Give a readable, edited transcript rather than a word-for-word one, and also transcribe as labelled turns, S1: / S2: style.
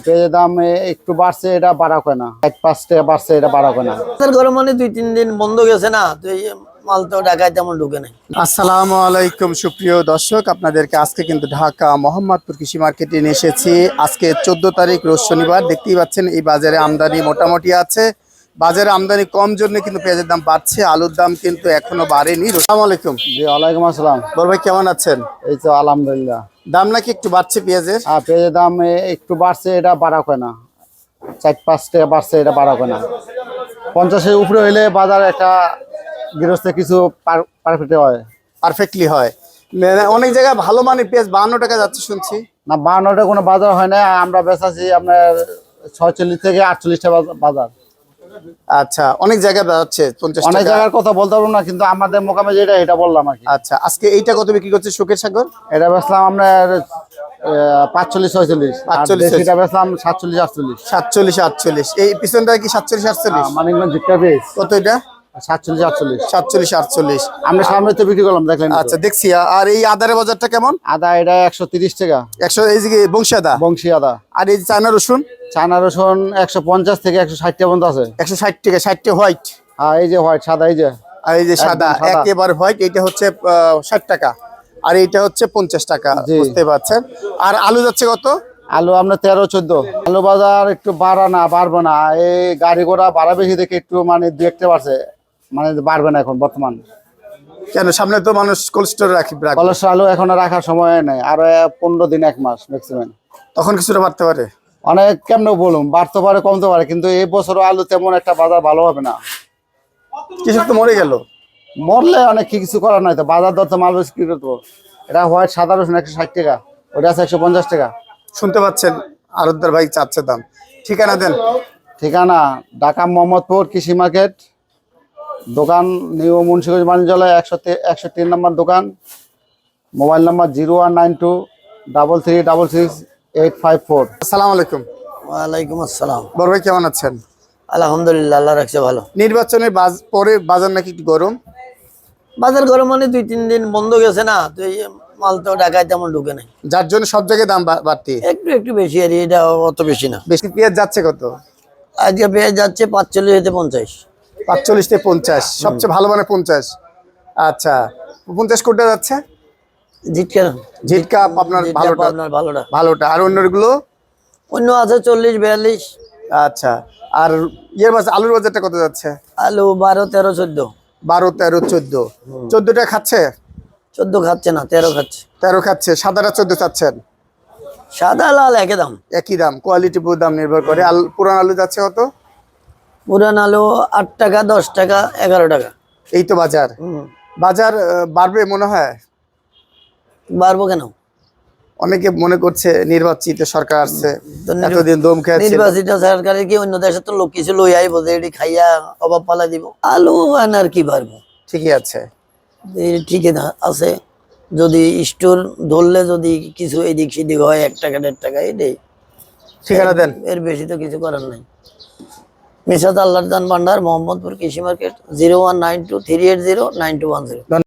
S1: পেঁয়াজের দাম একটু বাড়ছে, এটা বাড়া হয় না। 1-5 টাকা বাড়ছে, এটা বাড়া হয় না।
S2: গরম মানে 2-3 দিন বন্ধ গেছে না, তো এই মাল তো ঢাকায় তেমন ঢুকে নাই।
S3: আসসালামু আলাইকুম সুপ্রিয় দর্শক, আপনাদেরকে আজকে কিন্তু ঢাকা মোহাম্মদপুর কৃষি মার্কেটে নিয়ে এসেছি। আজকে 14 তারিখ রোজ শনিবার। দেখতেই পাচ্ছেন এই বাজারে আমদানি মোটামুটি আছে। বাজারে আমদানি কম জন্য কিন্তু পেঁয়াজের দাম বাড়ছে, আলুর দাম কিন্তু এখনো বাড়েনি। আসসালামু আলাইকুম।
S1: জি, ওয়ালাইকুম আসসালাম।
S3: বড় ভাই কেমন আছেন?
S1: এই তো আলহামদুলিল্লাহ।
S3: দাম নাকি একটু বাড়ছে পেঁয়াজের?
S1: পেঁয়াজের দাম একটু বাড়ছে, এটা বাড়া হয় না। 4-5 টাকা বাড়ছে, এটা বাড়া হয় না। 50-এর উপরে হইলে বাজার একটা গৃহস্থে কিছু পারফেক্ট হয়,
S3: পারফেক্টলি হয়। মানে অনেক জায়গায় ভালো মানের পেঁয়াজ 52 টাকা যাচ্ছে শুনছি।
S1: না 52টা কোনো বাজার হয় না। আমরা বেচাছি আপনার 46 থেকে 48 টাকা বাজার।
S3: আচ্ছা, অনেক জায়গায় যাচ্ছে 50
S1: অনেক
S3: টাকা।
S1: জায়গার কথা বলতে পারবো না, কিন্তু আমাদের মোকামে যেটা এটা বললাম আর কি।
S3: আচ্ছা, আজকে এইটা কত বিক্রি করছে শোকের সাগর?
S1: এটা বেচলাম আপনার 45-46,
S3: 45,
S1: এটা বেচলাম 47-48।
S3: 47-48। এই পিছনটা কি 47-48?
S1: মানিকগঞ্জ জিটকা পেজ
S3: কত এটা?
S1: 47-48।
S3: 47-48।
S1: আমরা সামনে তো বিক্রি করলাম, দেখলেন।
S3: আচ্ছা, দেখছি। আর এই আদারের বাজারটা কেমন?
S1: আদা এটা 130 টাকা।
S3: 100। এই যে বংশী আদা।
S1: বংশী আদা।
S3: আর এই যে চায়না রসুন?
S1: চায়না রসুন 150 থেকে 160 টাকা পর্যন্ত আছে।
S3: 160 টাকা। 60 হোয়াইট।
S1: আর এই যে হোয়াইট সাদা, এই যে
S3: আর এই যে সাদা,
S1: একদম সাদা।
S3: একেবারে হোয়াইট, এটা হচ্ছে 60 টাকা। আর এইটা হচ্ছে 50 টাকা।
S1: জি।
S3: বুঝতে পারছেন। আর আলু যাচ্ছে কত?
S1: আলু আপনার 13-14। আলু বাজার একটু বাড়বে না। এই গাড়ি ঘোড়া ভাড়া বেশি দেখে একটু মানে 2-1 বাড়ছে, মানে বাড়বে না এখন বর্তমান।
S3: কেন, সামনে তো মানুষ কোল্ড স্টোরে রাখবে।
S1: কলেস্ট্রল আলু এখন রাখার সময় নেই, আরো 15 দিন 1 মাস ম্যাক্সিমাম।
S3: তখন কিছুটা বাড়তে পারে।
S1: অনেক কেমনে বলুন, বাড়তে পারে কমতে পারে, কিন্তু এই বছর আলু তেমন একটা বাজার ভালো হবে না।
S3: কৃষক তো মরে গেল।
S1: মরলে অনেক কিছু করার নাই, তো বাজার দর তো মাল বেশি কি করবো। এটা হোয়াইট সাদা রসুন 160 টাকা, ওটা আছে 150 টাকা।
S3: শুনতে পাচ্ছেন, আরতদার ভাই চাচ্ছে দাম। ঠিকানা দেন।
S1: ঠিকানা ঢাকা মোহাম্মদপুর কৃষি মার্কেট, দোকান নিউ মুন্সিগঞ্জ বাণিজ্যালয় 103 নম্বর দোকান। Mobile number 019233666854।
S3: আসসালামু আলাইকুম।
S2: ওয়ালাইকুম আসসালাম।
S3: বড় ভাই কেমন আছেন?
S2: আলহামদুলিল্লাহ, আল্লাহ রাখছে ভালো।
S3: নির্বাচনের পরে বাজার নাকি একটু গরম।
S2: বাজার গরম মানে 2-3 দিন বন্ধ গেছে না, তো এই মাল তো ঢাকায় তেমন ঢুকে নাই।
S3: যার জন্য সব জায়গায় দাম বাড়তি।
S2: একটু বেশি, আর এটা অত বেশি না।
S3: বেশি। পেঁয়াজ যাচ্ছে কত?
S2: আজকে পেঁয়াজ যাচ্ছে 45 থেকে 50।
S3: 45 থেকে 50। সবচেয়ে ভালো মানে 50। আচ্ছা, 50 কোটা যাচ্ছে।
S2: জিটকা
S3: ঝিটকা আপনার ভালোটা।
S2: আপনার ভালোটা।
S3: ভালোটা। আর অন্যগুলো?
S2: অন্য আছে 40-42।
S3: আচ্ছা। আর বাজার, আলুর বাজারটা কত যাচ্ছে?
S2: আলু 12, 13, 14।
S3: 12, 13, 14। 14টা খাচ্ছে?
S2: 14 খাচ্ছে না, 13 খাচ্ছে।
S3: 13 খাচ্ছে। সাদাটা 14 চাচ্ছেন?
S2: সাদা লাল একই দাম।
S3: একই দাম। কোয়ালিটি পুরো দাম নির্ভর করে। পুরান আলু যাচ্ছে কত?
S2: পুরান আলু 8 টাকা, 10 টাকা, 11 টাকা।
S3: এই তো বাজার। বাজার বাড়বে মনে হয়।
S2: বাড়বো কেন?
S3: অনেকে মনে করছে নির্বাচিত সরকার আসছে,
S2: তো
S3: এতদিন দম খেয়েছে।
S2: নির্বাচিত সরকারের কি অন্য দেশে তো লোক কিছু লই আইবো যে এটি খাইয়া অভাব পালা দিব? আলু আনার কি পারবো।
S3: ঠিকই আছে।
S2: ঠিকই আছে। যদি স্টোর ধরলে যদি কিছু এদিক সেদিক হয় 1 টাকা 1.5 টাকা, এটাই।
S3: ঠিকানা দেন।
S2: এর বেশি তো কিছু করার নাই। মিশাত আল্লাহর দান ভান্ডার, মোহাম্মদপুর কৃষি মার্কেট, 0192380921।